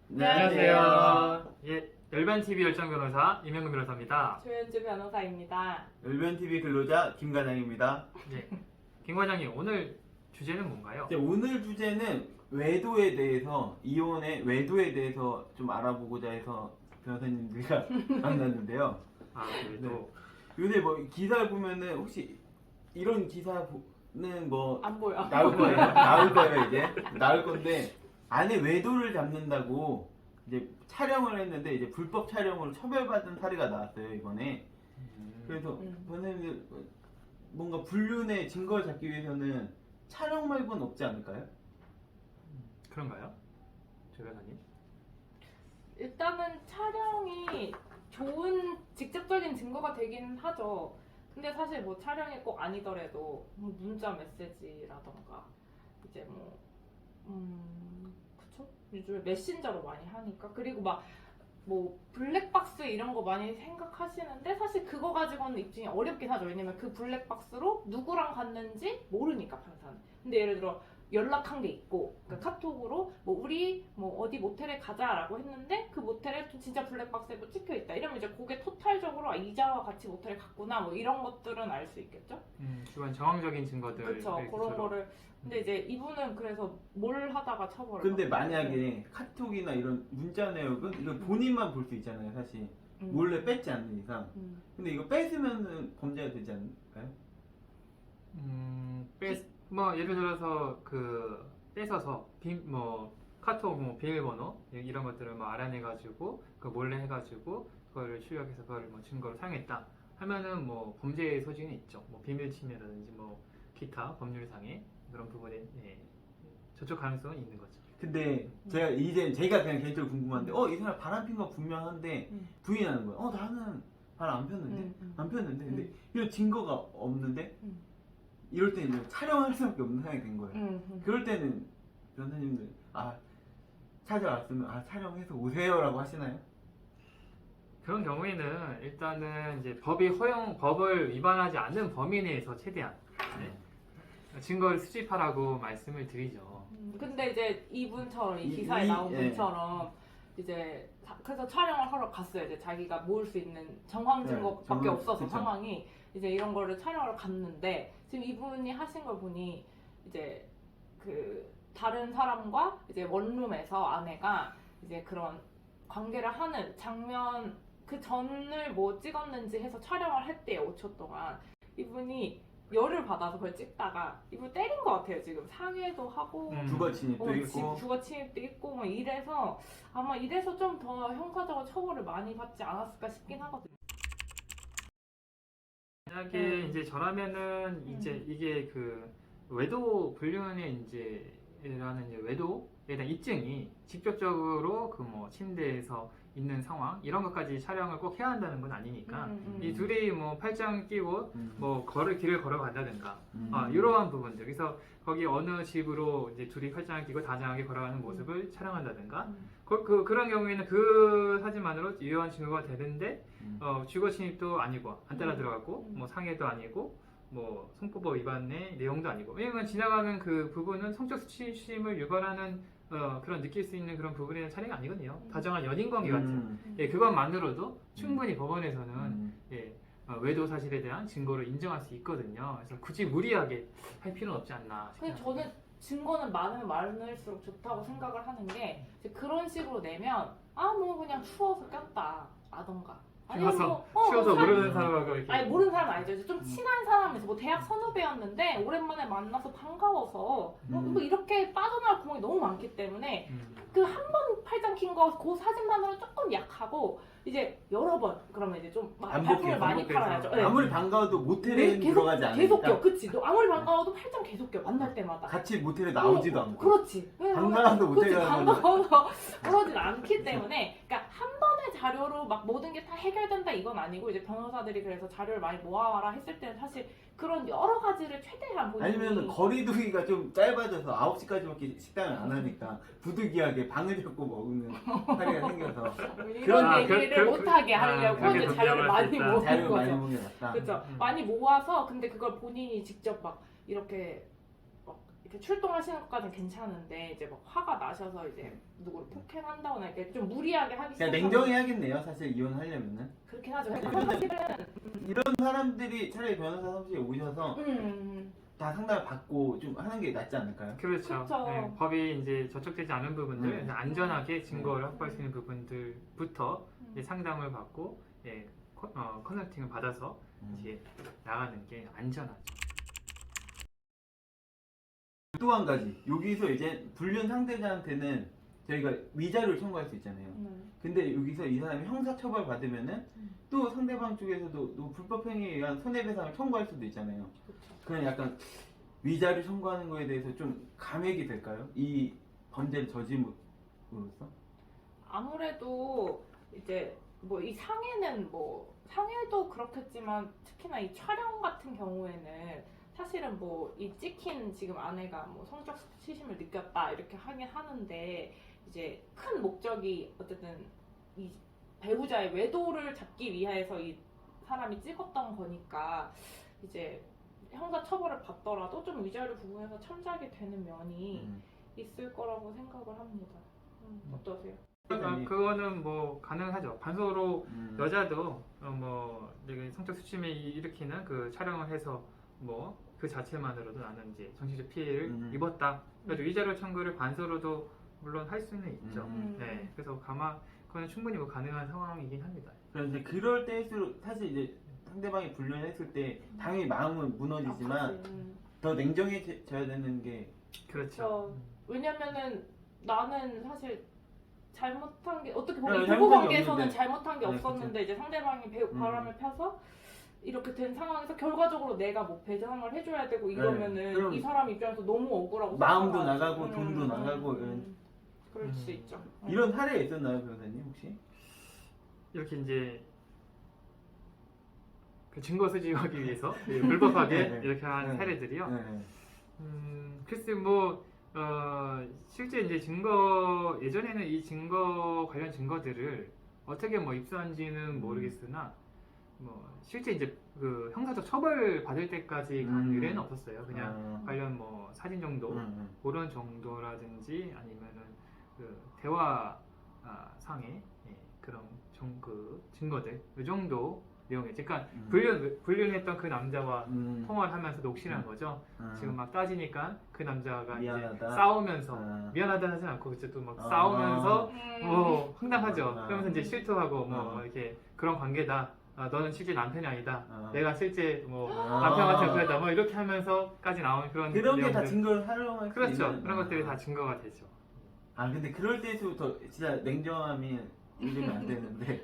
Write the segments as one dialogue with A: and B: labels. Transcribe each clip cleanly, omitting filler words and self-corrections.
A: 안녕하세요. 예, 열변TV 열정 변호사 이명근 변호사입니다.
B: 조현주 변호사입니다.
C: 열변TV 근로자 김과장입니다.
A: 예, 김 과장님 오늘 주제는 뭔가요?
C: 이제 오늘 주제는 외도에 대해서, 이혼의 외도에 대해서 좀 알아보고자 해서 변호사님들과 만났는데요.
A: 아, 그래도
C: 요새 뭐 기사를 보면은 혹시 이런 기사는 뭐
B: 안 보여.
C: 나올 거예요. 나올 거예요 이제. 나올 건데 아내 외도를 잡는다고 이제 촬영을 했는데 이제 불법 촬영으로 처벌받은 사례가 나왔어요 이번에. 그래서 변호사님들 뭔가 불륜의 증거를 잡기 위해서는 촬영 말고는 없지 않을까요?
A: 그런가요? 조 변호사님?
B: 일단은 촬영이 좋은 직접적인 증거가 되긴 하죠. 근데 사실 뭐 촬영이 꼭 아니더라도 뭐 문자 메시지라던가 이제 그쵸? 요즘에 메신저로 많이 하니까. 그리고 막 뭐 블랙박스 이런 거 많이 생각하시는데 사실 그거 가지고는 입증이 어렵긴 하죠. 왜냐면 그 블랙박스로 누구랑 갔는지 모르니까 판사는. 근데 예를 들어 연락한 게 있고 그러니까 카톡으로 뭐 우리 뭐 어디 모텔에 가자라고 했는데 그 모텔에 또 진짜 블랙박스에 뭐 찍혀 있다. 이러면 이제 그게 토탈적으로 이자와 같이 모텔에 갔구나 뭐 이런 것들은 알 수 있겠죠.
A: 주관 정황적인 증거들.
B: 그렇죠. 그런 거를. 근데 이제 이분은 그래서 뭘 하다가 처벌을
C: 근데
B: 받았어요?
C: 만약에 카톡이나 이런 문자 내역은 이거 본인만 볼 수 있잖아요 사실. 몰래 뺐지 않는 이상. 근데 이거 뺏으면 범죄가 되지 않을까요?
A: 뭐 예를 들어서 뺏어서 뭐 카톡 뭐 비밀번호 이런 것들을 뭐 알아내가지고 그 몰래 해가지고 그거를 출력해서 그걸 뭐 증거로 사용했다 하면은 뭐 범죄의 소지는 있죠. 뭐 비밀 침해라든지 뭐 기타 법률상의 그런 부분에 저촉 가능성은 있는 거죠.
C: 근데 제가 그냥 개인적으로 궁금한데 이 사람 바람 핀 거 분명한데 부인하는 거예요. 나는 바람 안 폈는데 안 폈는데 근데 이런 증거가 없는데 이럴 때는 이제 촬영할 수밖에 없는 상황이 된 거예요. 그럴 때는 변호사님들 찾아왔으면 촬영해서 오세요라고 하시나요?
A: 그런 경우에는 일단은 이제 법을 위반하지 않는 범위 내에서 최대한 증거를 수집하라고 말씀을 드리죠.
B: 근데 이제 이분처럼 이 기사에 나온 분처럼 이제 그래서 촬영을 하러 갔어요. 이제 자기가 모을 수 있는 정황 증거밖에 없어서
C: 그쵸.
B: 상황이 이제 이런 거를 촬영을 갔는데 지금 이분이 하신 걸 보니 이제 그 다른 사람과 이제 원룸에서 아내가 이제 그런 관계를 하는 장면 그 전을 뭐 찍었는지 해서 촬영을 했대요. 5초 동안. 이분이 열을 받아서 그걸 찍다가 이분 때린 것 같아요. 지금 상해도 하고
C: 주거 침입도 있고
B: 주거 침입도 있고 뭐 이래서 아마 이래서 좀 더 형사적으로 처벌을 많이 받지 않았을까 싶긴 하거든요.
A: 만약에 이제 저라면은 이제 이게 그 외도 불륜의 이제라는 이제 외도에 대한 입증이 직접적으로 그 뭐 침대에서 있는 상황 이런 것까지 촬영을 꼭 해야 한다는 건 아니니까 이 둘이 뭐 팔짱 끼고 뭐 길을 걸어간다든가 이러한 부분들 그래서 거기 어느 집으로 이제 둘이 팔짱을 끼고 다정하게 걸어가는 모습을 촬영한다든가 그런 경우에는 그 사진만으로 유효한 증거가 되는데 주거 침입도 아니고 안 따라 들어갔고 뭐 상해도 아니고 뭐 성폭법 위반의 내용도 아니고 왜냐면 지나가는 그 부분은 성적 수치심을 유발하는 그런 느낄 수 있는 그런 부분의 촬영이 아니거든요. 다정한 연인 관계 같은 그것만으로도 충분히 법원에서는 외도 사실에 대한 증거를 인정할 수 있거든요. 그래서 굳이 무리하게 할 필요는 없지 않나
B: 근데
A: 싶습니다.
B: 저는 증거는 많으면 많을수록 좋다고 생각을 하는 게 이제 그런 식으로 내면 뭐 그냥 추워서 꼈다 라던가
A: 추워서
B: 뭐
A: 모르는 사람하고 이렇게
B: 아니 모르는 사람 아니죠. 이제 좀 친한 사람에서 뭐 대학 선후배였는데 오랜만에 만나서 반가워서 뭐 이렇게 빠져나갈 구멍이 너무 많기 때문에 그 한 번 팔짱 낀 거 그 사진만으로 조금 약하고 이제 여러 번 그러면 이제 좀 발품을 많이 팔아야죠. 네.
C: 아무리 반가워도 모텔에 들어가지 않으니까
B: 계속 껴. 그치. 너 아무리 반가워도 팔짱 계속 껴. 만날 때마다.
C: 같이 모텔에 나오지도 않고
B: 그렇지.
C: 반가워도 모텔에 가면
B: 반가워서 그러진 않기 때문에 그러니까 한 번의 자료로 막 모든 게 다 해결된다 이건 아니고 이제 변호사들이 그래서 자료를 많이 모아와라 했을 때는 사실 그런 여러 가지를 최대한 본인이
C: 아니면 거리두기가 좀 짧아져서 9시까지밖에 식당을 안 하니까 부득이하게 방을 잡고 먹는 사례가 생겨서
B: 이런 얘기를 못하게 하려고
A: 그렇게
B: 이제 자료를 많이 모은
C: 자료를 많이
B: 거죠.
C: 먹는 게 낫다.
B: 그렇죠. 많이 모아서 근데 그걸 본인이 직접 막 이렇게 막 이렇게 출동하시는 것까지는 괜찮은데 이제 막 화가 나셔서 이제 누구를 폭행한다거나 이렇게 좀 무리하게 하기
C: 그냥
B: 시작하면
C: 냉정해야겠네요. 사실 이혼하려면은
B: 그렇긴 하죠.
C: 이런 사람들이 차라리 변호사 사무실에 오셔서
B: 음.
C: 다 상담을 받고 좀 하는 게 낫지 않을까요?
A: 그렇죠.
B: 그쵸.
A: 네, 법이 이제 저촉되지 않은 부분들,
C: 음.
A: 안전하게 증거를 확보할 수 있는 부분들부터 이제 상담을 받고 컨설팅을 받아서 이제 나가는 게 안전하죠.
C: 또 한 가지 여기서 이제 불륜 상대자한테는 저희가 위자료를 청구할 수 있잖아요. 근데 여기서 이 사람이 형사처벌 받으면은 또 상대방 쪽에서도 또 불법 행위에 의한 손해배상을 청구할 수도 있잖아요.
B: 그렇죠.
C: 그냥 약간 위자료 청구하는 거에 대해서 좀 감액이 될까요? 이 범죄를 저지름으로써?
B: 아무래도 이제 뭐 이 상해는 뭐 상해도 그렇겠지만 특히나 이 촬영 같은 경우에는 사실은 뭐 이 찍힌 지금 아내가 뭐 성적 수치심을 느꼈다 이렇게 하긴 하는데 이제 큰 목적이 어쨌든 이 배우자의 외도를 잡기 위해서 이 사람이 찍었던 거니까 이제 형사 처벌을 받더라도 좀 위자료 부분에서 참작이 되는 면이 있을 거라고 생각을 합니다. 어떠세요?
A: 그거는 뭐 가능하죠. 반소로 여자도 뭐 내가 성적 수침을 일으키는 그 촬영을 해서 뭐 그 자체만으로도 나는 이제 정신적 피해를 입었다. 그래서 위자료 청구를 반소로도 물론 할 수는 있죠. 네, 그래서 그거는 충분히 뭐 가능한 상황이긴 합니다.
C: 그런데 그럴 때일수록 사실 이제 상대방이 불륜했을 때 당연히 마음은 무너지지만 더 냉정해져야 되는 게
A: 그렇죠.
B: 왜냐면은 나는 사실 잘못한 게 어떻게
C: 네,
B: 보면 부부
C: 잘못한 게
B: 관계에서는
C: 없는데.
B: 잘못한 게
C: 네,
B: 없었는데 이제 상대방이 바람을 펴서 이렇게 된 상황에서 결과적으로 내가 뭐 배상을 해줘야 되고 이러면은
C: 그럼
B: 이 사람 입장에서 너무 억울하고
C: 마음도
B: 속상하지.
C: 나가고 돈도 나가고
B: 그럴 수 있죠.
C: 이런 사례 있었나요, 변호사님 혹시?
A: 이렇게 이제 그 증거 수집하기 위해서 불법하게
C: 네.
A: 이렇게 한
C: 네.
A: 사례들이요.
C: 네.
A: 글쎄 실제 이제 예전에는 이 증거 관련 증거들을 어떻게 뭐 입수한지는 모르겠으나 뭐 실제 이제 그 형사적 처벌 받을 때까지 간 의뢰는 없었어요. 그냥 관련 뭐 사진 정도 그런 정도라든지 아니면은 그 대화 상의 그런 그 증거들 이 정도 내용이죠. 그러니까 불륜했던 그 남자와 통화를 하면서 녹취한 거죠. 지금 막 따지니까 그 남자가
C: 미안하다.
A: 이제 싸우면서 미안하다 하지 않고 이제 또 막 싸우면서 뭐 황당하죠. 그러면서 이제 실토하고 뭐 이렇게 그런 관계다. 너는 실제 남편이 아니다. 내가 실제 뭐 남편한테 그랬다. 뭐 이렇게 하면서까지 나온 그런
C: 게 다
A: 내용들.
C: 증거를 활용할 수
A: 그렇죠.
C: 있는
A: 그런 것들이 다 증거가 되죠.
C: 근데 그럴 때부터 진짜 냉정함이 잃으면 안 되는데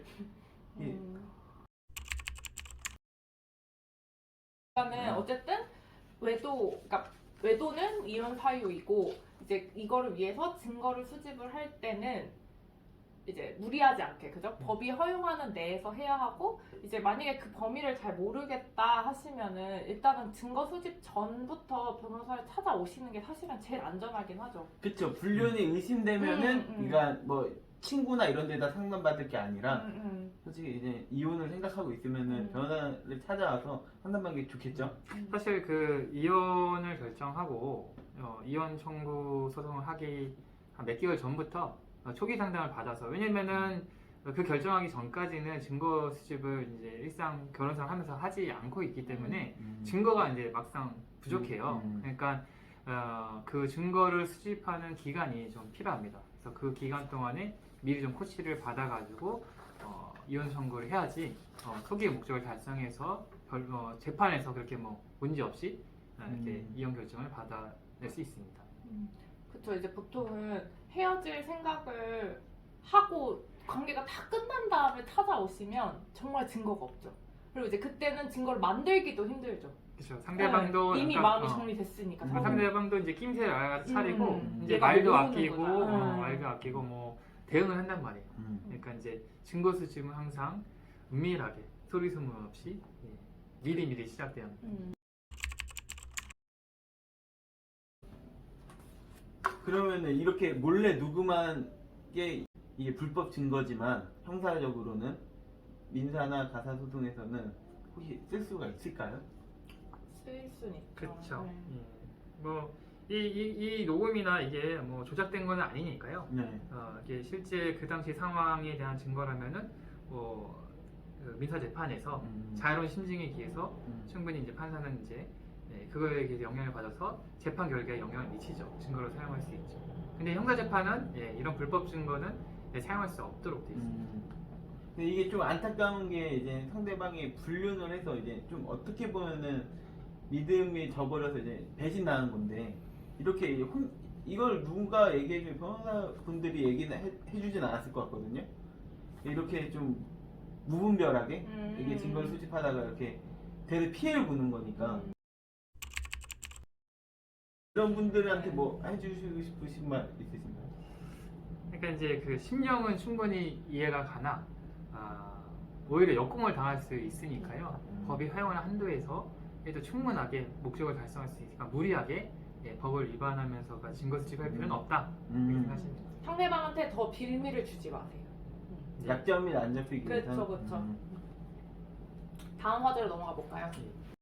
B: 그러니까는 어쨌든 그러니까 외도는 이혼 사유이고 이제 이거를 위해서 증거를 수집을 할 때는 이제 무리하지 않게 그죠? 법이 허용하는 내에서 해야 하고 이제 만약에 그 범위를 잘 모르겠다 하시면은 일단은 증거 수집 전부터 변호사를 찾아오시는 게 사실은 제일 안전하긴 하죠.
C: 그쵸. 불륜이 의심되면은 그러니까 뭐 친구나 이런 데다 상담받을 게 아니라 솔직히 이제 이혼을 생각하고 있으면은 변호사를 찾아와서 상담받는 게 좋겠죠.
A: 사실 그 이혼을 결정하고 이혼 청구 소송을 하기 한 몇 개월 전부터 초기 상담을 받아서 왜냐면은 그 결정하기 전까지는 증거 수집을 이제 일상 결혼생활 하면서 하지 않고 있기 때문에 증거가 이제 막상 부족해요. 그러니까 그 증거를 수집하는 기간이 좀 필요합니다. 그래서 그 기간 동안에 미리 좀 코치를 받아가지고 이혼 청구를 해야지 초기 목적을 달성해서 재판에서 그렇게 뭐 문제 없이 이렇게 이혼 결정을 받아낼 수 있습니다.
B: 그쵸. 이제 보통은 헤어질 생각을 하고 관계가 다 끝난 다음에 찾아오시면 정말 증거가 없죠. 그리고 이제 그때는 증거를 만들기도 힘들죠.
A: 그렇죠. 상대방도
B: 이미
A: 약간,
B: 마음이 정리됐으니까.
A: 상대방도 이제 낌새를 알아서 차리고 이제
B: 얘가
A: 말도
B: 모르는
A: 아끼고
B: 거다.
A: 말도 아끼고 뭐 대응을 한단 말이에요. 그러니까 이제 증거 수집은 항상 은밀하게 소리 소문 없이 미리 시작돼야 합니다.
C: 그러면은 이렇게 몰래 녹음한 게 이게 불법 증거지만 형사적으로는 민사나 가사소송에서는 혹시 쓸 수가 있을까요?
B: 쓸 수는 있죠.
A: 그렇죠.
B: 네.
A: 뭐 이 녹음이나 이게 뭐 조작된 건 아니니까요.
C: 네.
A: 이게 실제 그 당시 상황에 대한 증거라면은 그 민사 재판에서 자유로운 심증에 기해서 충분히 이제 판사는 이제 그거에 대해서 영향을 받아서 재판 결과에 영향을 미치죠. 증거로 사용할 수 있죠. 근데 형사 재판은 이런 불법 증거는 사용할 수 없도록 돼 있습니다.
C: 근데 이게 좀 안타까운 게 이제 상대방이 불륜을 해서 이제 좀 어떻게 보면은 믿음이 저버려서 이제 배신당한 건데 이렇게 이걸 누군가 얘기해주면 변호사분들이 얘기는 해주진 않았을 것 같거든요. 이렇게 좀 무분별하게 이게 증거를 수집하다가 이렇게 대대 피해를 보는 거니까 이런 분들한테 뭐 해주시고 싶으신 말 있으신가요?
A: 그러니까 이제 그 심령은 충분히 이해가 가나 오히려 역공을 당할 수 있으니까요. 법이 허용하는 한도에서 해도 충분하게 목적을 달성할 수 있으니까 무리하게 법을 위반하면서 증거 수집할 필요는 없다 이렇게 생각하십니다.
B: 상대방한테 더 빌미를 주지 마세요.
C: 약점이 안 잡히기 위해서.
B: 그렇죠. 다음 화제로 넘어가 볼까요?